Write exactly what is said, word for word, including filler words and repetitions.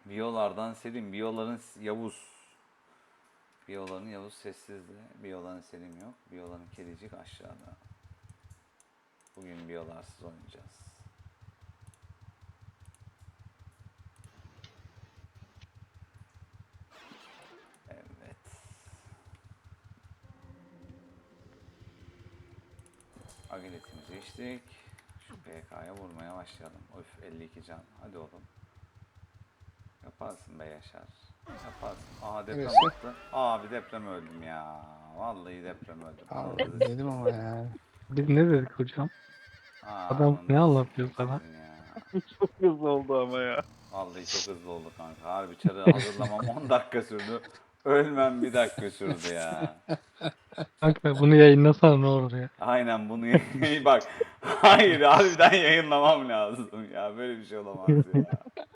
Biyolardan Selim. Biyoların Yavuz. Biyoların Yavuz sessizdi. Biyoların Selim yok. Biyoların kedicik aşağıda. Bugün biyolarsız oynayacağız. Evet. Agiletimizi içtik. Şu P K'ya vurmaya başlayalım. Öf elli iki can. Hadi oğlum. Yaparsın be Yaşar. Yaparsın. Aa deprem Neresi? attı. Abi deprem öldüm ya. Vallahi deprem öldüm. Abi Anladınız dedim ama ya. Biz ne dedik hocam? Aa, Adam ne ananızı anlatıyor sikeyim sana? sizin ya. Çok hızlı oldu ama ya. Vallahi çok hızlı oldu kanka. Harbi çarı hazırlamam on dakika sürdü. Ölmem bir dakika sürdü ya. Kanka bunu yayınlasana ne olur ya. Aynen bunu bak. Hayır harbiden yayınlamam lazım ya. Böyle bir şey olamaz ya.